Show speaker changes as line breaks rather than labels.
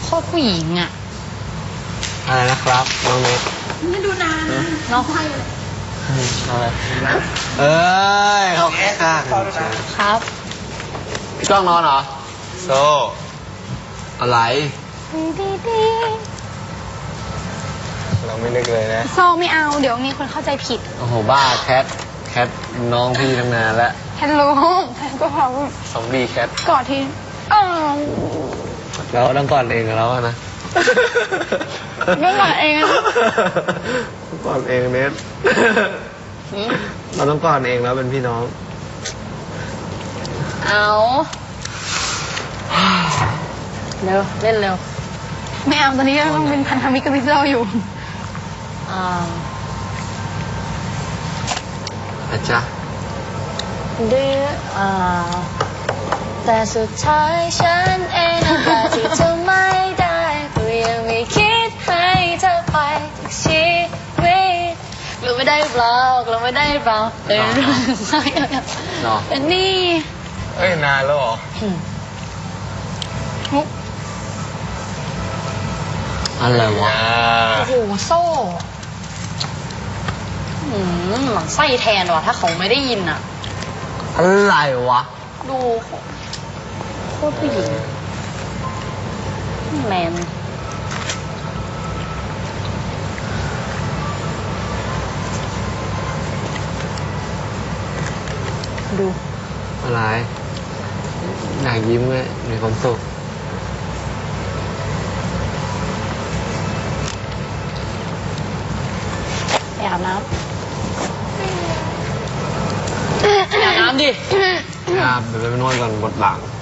โคตรผู้หญิงอ่ะ
อะไรนะครับน้องเนท
ไม่ดูนานน้องให้
อะไรเอ้ยเขาแค่ข้าง
ครับ
พี่กล้องนอนเหรอโซอะไรเราไม่นึกเลยนะ
โซไม่เอาเดี๋ยวมีคนเข้าใจผิด
โอ้โหบ้าแคทน้องพี่ตั้งนานแล้ว
แคทรู้แคทก็พร้อม
ซอมบี้แคท
กอดที
เราต้องก่อนเองกับเราอะนะ
ก็กอดเองนะ
ก่อนเองเนทเราต้องก่อนเองแล้วเป็นพี่น้อง
เอาเร็วเล่นเร็วไม่เอาตอนนี้ต้องเป็นพันธมิตรกับพี่เจ้าอยู่
อาจารย์
ดื้อแต่สุดท้ายฉันเองแต่ที่เธอไม่ได้ก็ยังไม่คิดให้เธอไปจากชีวิตเราไม่ได้เปล่าเราไม่ได้เปล่าเป็นเรื่องใช่แต่นี่
เอ้ยนานแล้วเหรออะไรวะ
โอ้โหโซ่หลังไส้แทนว่ะถ้าเขาไม่ได้ยินอ่ะ
อะไรวะ
ดูโคตรผู้หญิงแมนดู
อะไรอยากยิ้มเลยมีความสุข
ไปอาบน้ำอาบน้ำดิ
อาบเดี๋ยวไปนวดก่อนบดหลัง